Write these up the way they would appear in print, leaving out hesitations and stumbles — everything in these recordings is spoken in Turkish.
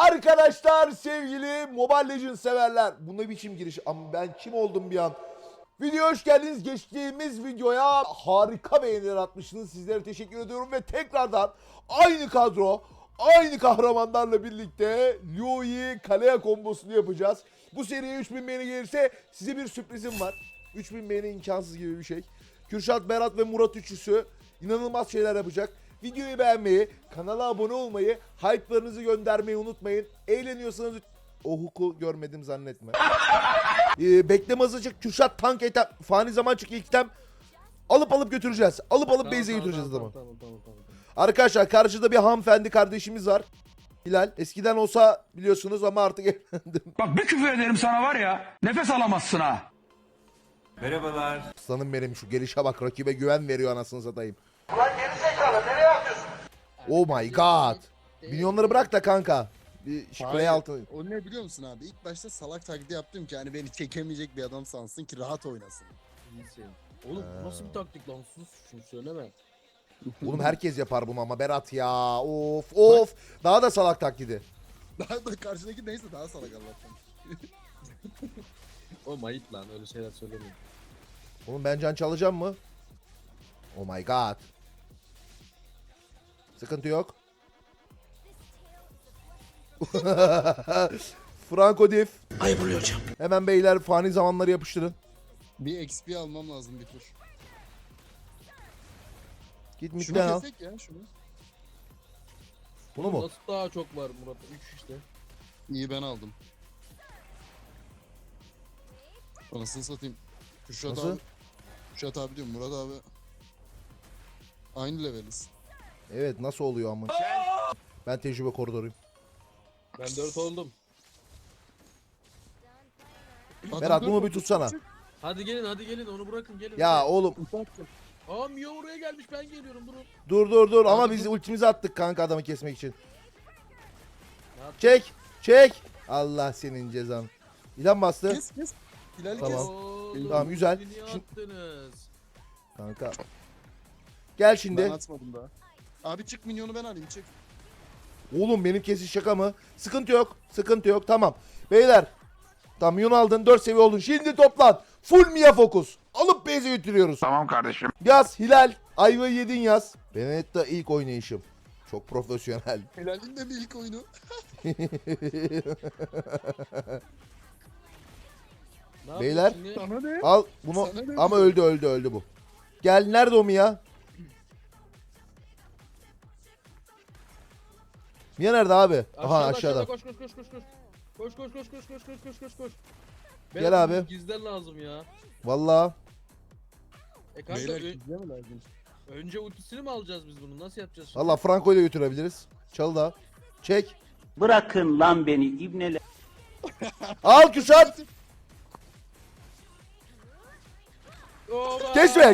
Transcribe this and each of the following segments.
Arkadaşlar, sevgili Mobile Legends severler. Bu ne biçim giriş? Ama ben kim oldum bir an? Videoya hoş geldiniz. Geçtiğimiz videoya harika beğeniler atmışsınız. Sizlere teşekkür ediyorum ve tekrardan aynı kadro, aynı kahramanlarla birlikte Liu'yu kaleye kombosunu yapacağız. Bu seriye 3000 beğeni gelirse size bir sürprizim var. 3000 beğeni imkansız gibi bir şey. Kürşat, Berat ve Murat üçlüsü inanılmaz şeyler yapacak. Videoyu beğenmeyi, kanala abone olmayı, hype'larınızı göndermeyi unutmayın. Eğleniyorsanız o huku görmedim zannetme. Bekleme hızlıcık Kürşat tank etem, fani zaman çık ilk item alıp götüreceğiz. Alıp base'e götüreceğiz adamı. Tamam. Arkadaşlar karşıda bir hanımefendi kardeşimiz var. Hilal. Eskiden olsa biliyorsunuz ama artık evlendim. Bak bir küfür ederim sana var ya, nefes alamazsın ha. Merhabalar. Aslanım benim, şu gelişe bak, rakibe güven veriyor anasını satayım. Ulan geri zekalı nereye atıyorsun? Oh my god. Milyonları bırak da kanka. Bir play altı. O ne biliyor musun abi? İlk başta salak taklidi yaptım ki hani beni çekemeyecek bir adam sansın ki rahat oynasın. İyisin. Oğlum bu nasıl bir taktik lan, sus şunu söyleme. Oğlum herkes yapar bunu ama Berat ya. Of. Daha da salak taklidi. Daha da karşıdaki neyse daha salak Allah'tan. Oğlum ayıp lan, öyle şeyler söylemeyin. Oğlum ben can çalacağım mı? Oh my god. Sıkıntı yok. Franco Diff. Ayıp oluyor hocam. Hemen beyler fani zamanları yapıştırın. Bir XP almam lazım bir tur. Git Şunu midden al. kesek ya şunu. Bunu mu? Nasıl daha çok var Murat? 3 işte. İyi ben aldım. Anasını satayım. Kürşat Nasıl? abi. Kürşat abi diyorum Murat abi. Aynı leveliz. Evet, nasıl oluyor ama? Ben tecrübe koridoruyum. Ben 4 oldum. Berat bunu bir tutsana. Hadi gelin onu bırakın, gelin. Ya hadi. oğlum Aa Mio oraya gelmiş, ben geliyorum, durun. dur ama biz ultimizi attık kanka adamı kesmek için. Ne yaptın? Çek. Allah senin cezan. İlan bastı. Kes. Hilal Tamam. kes. Oğlum, Tamam, güzel. beni niye Şimdi- attınız? Kanka. Gel Ben şimdi. atmadım daha. Abi çık minyonu ben alayım çık. Oğlum benim kesiş şaka mı? Sıkıntı yok. Tamam. Beyler. Tamam, Yun aldın. 4 seviye oldun. Şimdi toplan. Full Mia fokus. Alıp base'e götürüyoruz. Tamam kardeşim. Yaz Hilal. Ayvayı yedin yaz. Benedetta ilk oynayışım. Çok profesyonel. Hilal'in de bir ilk oyunu. Ne Beyler. yaptın şimdi? Sana ne? Al bunu Sana ne ama diyor? öldü bu. Gel, nerede o Mia? Mia nerede abi? Aha aşağıda. Koş. Ben Gel abi. Gizler lazım ya. Vallahi Kanka Beyler gizliye mi lazım? önce ultisini mi alacağız biz bunu? Nasıl yapacağız şimdi? vallahi Franco'yu da götürebiliriz. Çal da. Çek. Bırakın lan beni ibneler. Al Kürşat. Oba! Kesme.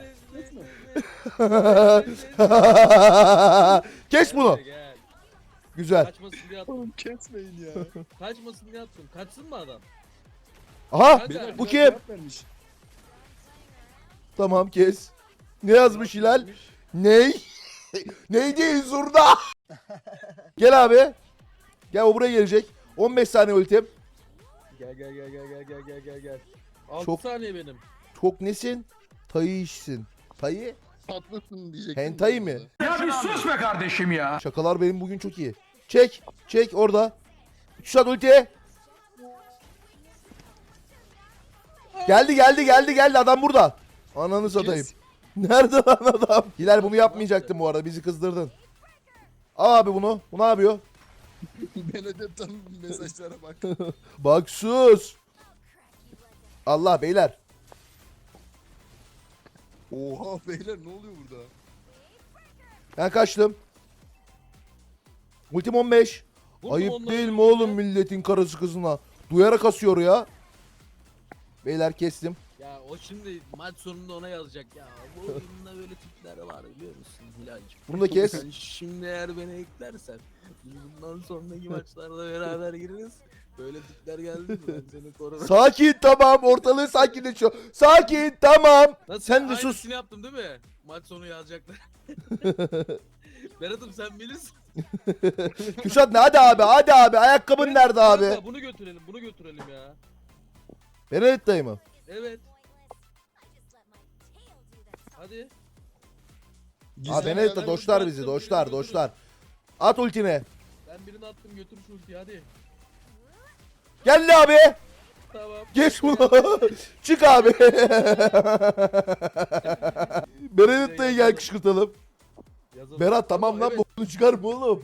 Kes bunu. Gel. Güzel. Kaçmasın diye attım. Oğlum kesmeyin ya. Kaçmasın diye attım. Kaçsın mı adam? Aha, Beyler, bu Hilal kim? cevap vermiş. Tamam, kes. Ne yazmış Hilal? Ney? Neydi zurda? Gel abi. Gel, o buraya gelecek. 15 saniye ultim. Gel. 6 Çok- saniye benim. Çok nesin? Tayı işsin. Tayı? Tatlısın diyecektim. Hentai mi? Ya bir sus be kardeşim ya. Şakalar benim bugün çok iyi. Çek orada. Kürşat ulti. Geldi adam burada. Ananı satayım. Kes. Nerede lan adam? Hilal bunu yapmayacaktın bu arada, bizi kızdırdın. Al abi bunu. Bu ne yapıyor? Benedetta'nın mesajlara bak. Bak sus. Allah beyler. Oha beyler ne oluyor burada? Ben kaçtım. Ultim 15. Vurdum Ayıp onları değil mi birbirine. oğlum milletin karısı kızına? Duyarak asıyor ya. Beyler kestim. Ya o şimdi maç sonunda ona yazacak ya. Bu oyunda böyle tipler var biliyor musun Hilal'cim? Bunu da kes. Sen şimdi eğer beni eklersen biz bundan sonraki maçlarda beraber gireriz. Böyle tipler geldi mi ben seni korurum. Sakin, tamam, ortalığı sakinleşiyor. Sakin, tamam. Nasıl? Sen de sus. Aynısını yaptım değil mi? Maç sonu yazacaklar. Berat'ım sen bilirsin. Kürşat ne? Hadi abi, hadi abi. Ayakkabın nerede abi? Kanka, bunu götürelim, bunu götürelim ya. Benedetta'yı mı? Evet. Hadi. Aa Benedetta doşlar bizi, doşlar, doşlar. At ultine. Ben birini attım, götür şu ultiyi hadi. Gel abi. Tamam. Geç bunu. Çık abi. Benedetta'yı gel kışkırtalım. Yazalım. Berat tamam lan Evet. bunu çıkarma oğlum.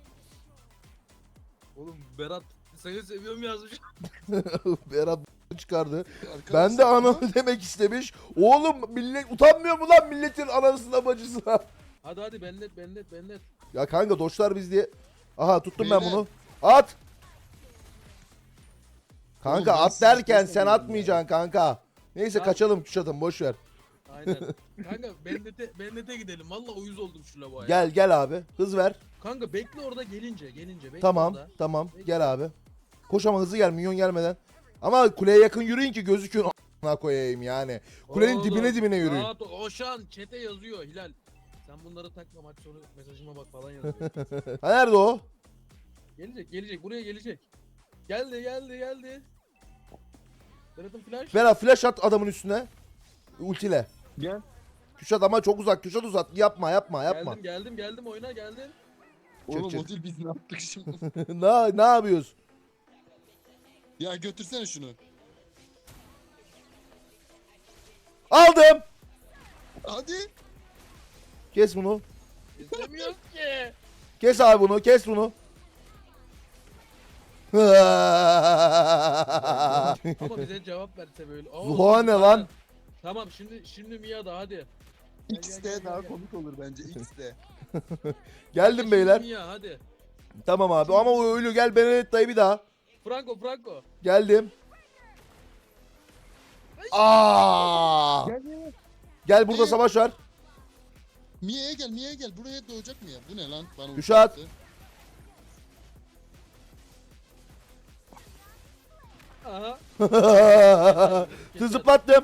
Oğlum Berat seni seviyorum yazmış. Berat çıkardı. Arkadaşlar, Ben de ananı demek istemiş. Oğlum millet utanmıyor mu lan milletin anasına bacısına? Hadi hadi benlet. Ya kanka doşlar biz diye. Aha tuttum ben Beyler. bunu. At. Kanka Oğlum ben at sizi derken çok sen seviyorum atmayacaksın kanka. Neyse Tamam. kaçalım Kuşat'ım boş ver. Aynen. Kanka bennete gidelim. Valla uyuz oldum şu lavuğa ya. Gel abi hız ver. Kanka bekle orada gelince bekle Tamam orada. tamam Bekle. gel abi. Koş ama hızlı gel minyon gelmeden. Ama kuleye yakın yürüyün ki gözükün a**ına koyayım yani. Kulenin Oğlum, dibine yürüyün. rahat ol. Oşan çete yazıyor Hilal. Sen bunları takma maç sonu mesajıma bak falan yazıyor. Ha nerede o? gelecek buraya gelecek. Geldi. Berat'ın flash. Berat flash at adamın üstüne. Ultiyle. Gel. Kuşat ama çok uzak. Kuşat uzat. Yapma. Geldim oyuna geldim. Oğlum çık. o değil biz ne yaptık şimdi? ne yapıyoruz? Ya götürsene şunu. Aldım. Hadi. Kes bunu. İstemiyor ki. Kes abi bunu. Kes bunu. Ama bize cevap verse böyle. Oo, Zuhal ne lan? Tamam şimdi Mia da hadi. X de daha komik olur bence. X de. Geldim Şimdi beyler. Mia hadi. Tamam abi ama o ölü gel Benedetta'yı bir daha. Franco. Geldim. Aa! Gel burada savaş var. Mia'ya gel. Buraya doğacak Mia. Bu ne lan? Bana Kuşat. uçaktı. Aha. Zıplattım.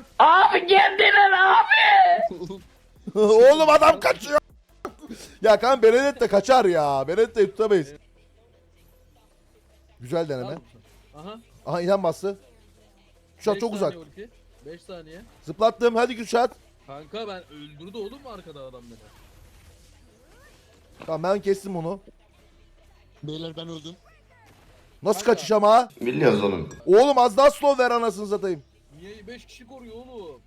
Oğlum, Oğlum adam kaçıyor. Ya kan Benedetta kaçar ya. Benedetta'yı tutamayız. Güzel deneme. Aha. Aha inan bastı. Kuşat 5 çok uzak. saniye ulti. 5 saniye. Zıplattım. Hadi Kuşat. Kanka ben öldürdü oğlum mu arkada adam beni? Tamam ben kestim onu. beyler ben öldüm. Nasıl Kanka. kaçış ama? Biliyoruz oğlum. Oğlum az daha slow ver anasını satayım. Mia'yı 5 kişi koruyor oğlum.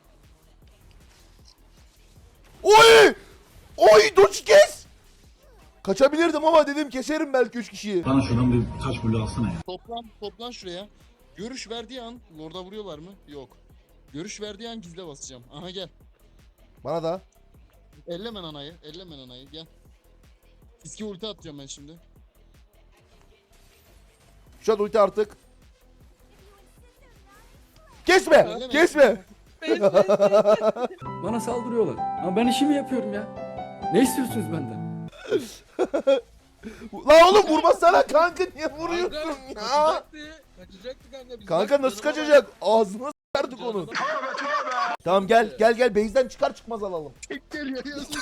Oy! Oy doç kes! Kaçabilirdim ama dedim keserim belki 3 kişiyi. Bana şuradan bir taş bulu alsana ya. Toplan şuraya. Görüş verdiği an orada vuruyorlar mı? Yok. Görüş verdiği an gizle basacağım. Aha gel. Bana da. Ellemen anayı. Gel. Fiske ulti atacağım ben şimdi. Kuşat ulti artık. Kesme! Elleme. Kesme! Bana saldırıyorlar. Ama ben işimi yapıyorum ya. Ne istiyorsunuz benden? La oğlum vurmasana kanka niye vuruyorsun Kanka, ya? Kaçacaktı kanka. Biz Kanka bak, nasıl canıma kaçacak? Ağzına s**erdik bak, onu. canıma bak. Tamam gel base'den çıkar çıkmaz alalım. Tek geliyor yazık.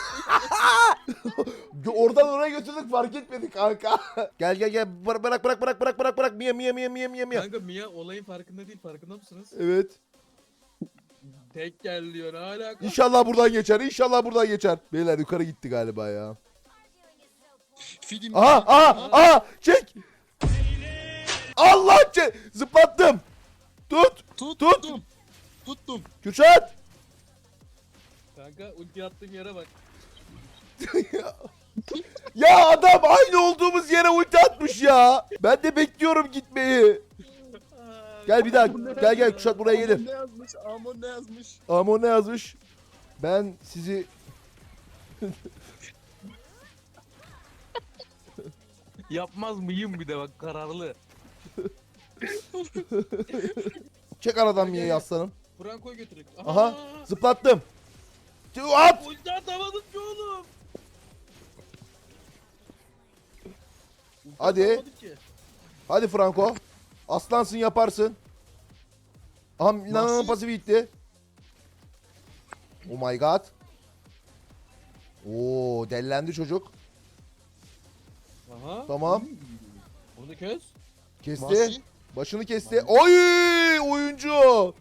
Oradan oraya götürdük fark etmedik kanka. gel bırak Mia. Kanka Mia olayın farkında değil, farkında mısınız? Evet. Tek gel diyor, ne alaka? İnşallah buradan geçer. Beyler yukarı gitti galiba ya. Fidim. Aha çek. Allah zıplattım. Tut. Tuttum. Kürşat. Kanka ulti attığım yere bak. Ya adam aynı olduğumuz yere ulti atmış ya. Ben de bekliyorum gitmeyi. Gel bir daha. Gel Kürşat buraya gelir. Amon ne yazmış? Amon ne yazmış? Ben sizi Yapmaz mıyım bir de bak, kararlı. çek aradan Mia'yı aslanım. Franco'yu götürük. Aha zıplattım. At. Ulti atamadım ki oğlum. Ulti Hadi. atamadım ki. Hadi Franco. Aslansın yaparsın. Aha Nana'nın Nasıl? pası bitti. Oh my god. Oo dellendi çocuk. Aha. Tamam. Onu kes. Kesti. Vahşi. Başını kesti. Oy! Oyuncu.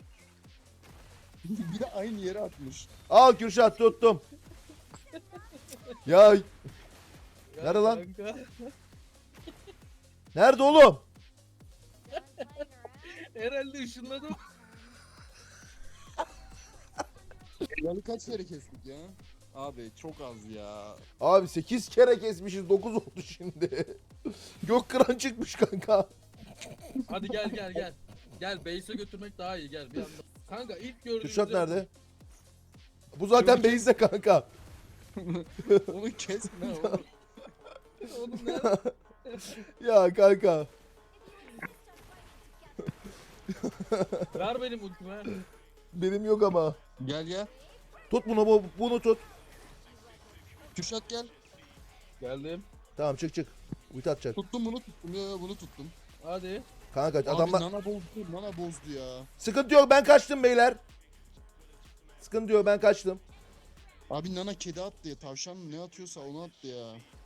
Bir de aynı yere atmış. Al Kürşat tuttum. Ya Ya Nerede lan? kanka. nerede oğlum? Herhalde ışınladım. Yani kaç kere kestik ya? Abi çok az ya. Abi 8 kere kesmişiz. 9 oldu şimdi. Gök kıran çıkmış kanka. Hadi gel. Gel base'e götürmek daha iyi gel bir anda. Kanka ilk gördüğümüzde... Kürşat nerede? Bu zaten base'de kanka. Onu kesme oğlum. Oğlum nerede? Ya kanka. Ver benim ultime. Benim yok ama. Gel. Tut bunu tut. Kürşat gel. Geldim. Tamam çık. Ulti atacak. Tuttum bunu tuttum ya bunu tuttum. Hadi. Kanka Abi adamlar... nana bozdu ya. Sıkıntı yok ben kaçtım beyler. Sıkıntı yok ben kaçtım. Abi nana kedi attı ya. Tavşan mı ne atıyorsa onu attı ya.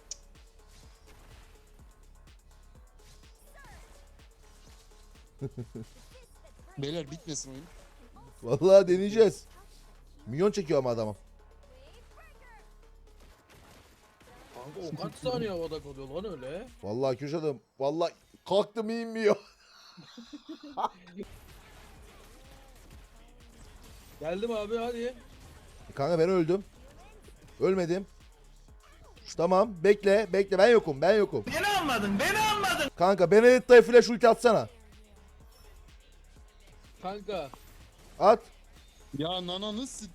Beyler bitmesin oyun. Vallahi deneyeceğiz. Milyon çekiyor ama adamım. Kanka o kaç saniye havada kalıyor lan öyle? Vallahi Kürşat'ım. Vallahi kalktım inmiyor. Geldim abi hadi. Kanka ben öldüm. Ölmedim. Tamam bekle ben yokum. Beni anladın. Kanka Benedetta'ya flash ulti atsana. Kanka. At. Ya nana nasıl?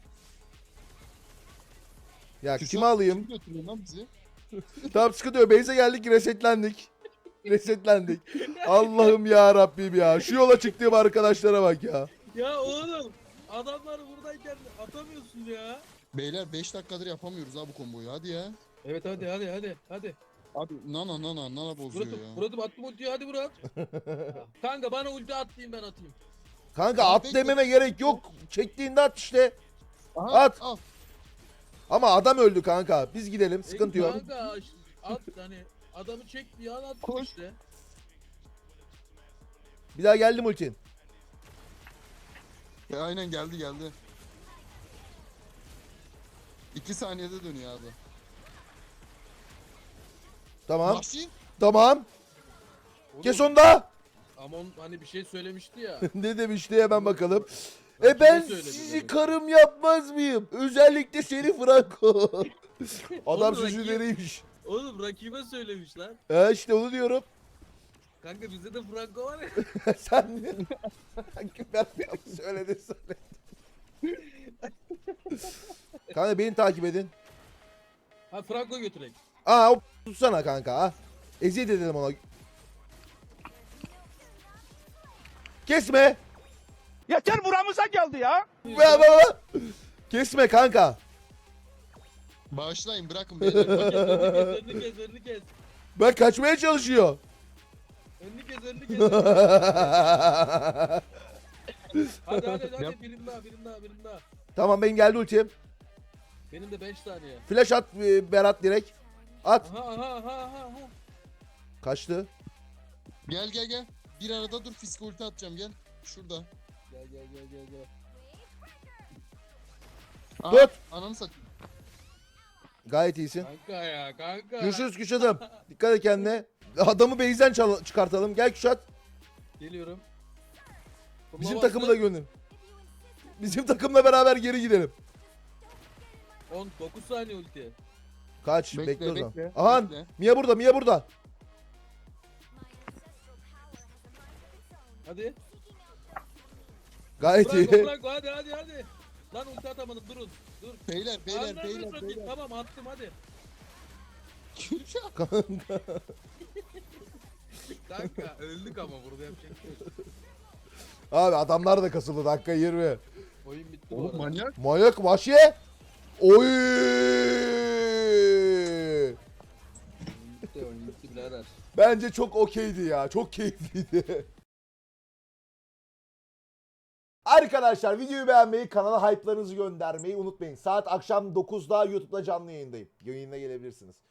Ya Kürşat, kimi alayım? Kim götürüyor lan bizi? Tamam sıkıntı yok. Base'e geldik resetlendik. Allah'ım ya Rabbim ya. Şu yola çıktığım arkadaşlara bak ya. Ya oğlum. Adamlar buradayken atamıyorsun ya. Beyler 5 dakikadır yapamıyoruz ha bu komboyu. Hadi ya. Evet hadi. Abi nana bozuyor ya. Murat'ım attım ultiyi hadi Murat. Kanka bana ulti at diyeyim ben atayım. Kanka Abi at bekle. dememe gerek yok. Çektiğinde at işte. Aha, At. Al. Ama adam öldü kanka. Biz gidelim. Sıkıntı yok. Kanka at hani adamı çek bir an at Koş. işte. Bir daha geldim ultin. Aynen geldi. 2 saniyede dönüyor abi. Tamam. Vahşi. Tamam. Oğlum, Kes onu da. Amon hani bir şey söylemişti ya. Ne demişti hemen bakalım. Ben Ben kime söyledim sizi demek. karım yapmaz mıyım? Özellikle seni Franco. Adam Oğlum, sözlüleriymiş. Oğlum rakibe söylemiş lan. İşte onu diyorum. Kanka bizde de Franco var ya. Sen ben söyledin. Kanka beni takip edin. Ha Franco götürek. Aa o tutsana kanka ha. Eziyet edelim ona. Kesme. Yeter buramıza geldi ya. Kesme kanka. Bağışlayın bırakın beyler. Önünü kes. Bak kaçmaya çalışıyor. Önünü kes. Hadi birim daha. Tamam benim geldi ultim. Benim de 5 saniye. Flash at Berat direkt. At. Aha. Kaçtı. Gel. Bir arada dur fiske ulti atacağım gel. Şurada. Gel. Aa, Tut. Ananı satayım. Gayet iyisin. Kanka. Görüşürüz Küşat'ım. Dikkat et kendine. Adamı base'den çıkartalım. Gel Küşat. Geliyorum. Bizim takımı da gönderin. Bizim takımla beraber geri gidelim. 9 saniye ulti. Kaç? Bekle, Bekle o zaman. bekle, Aha bekle. Mia burada. Hadi. Gayet iyi. Franco hadi. Lan ulti atamadım durun. Dur. Beyler. Tamam attım hadi. Kanka öldük ama burada yapacak bir şey yok. Abi adamlar da kasıldı dakika 20. Oyun bitti bu Oğlum arada. manyak. Manyak vahşi. Oy! Oyun bitti birader. Bence çok okeydi ya. Çok keyifliydi. Arkadaşlar videoyu beğenmeyi, kanala hype'larınızı göndermeyi unutmayın. Saat akşam 9'da YouTube'da canlı yayındayım. Yayına gelebilirsiniz.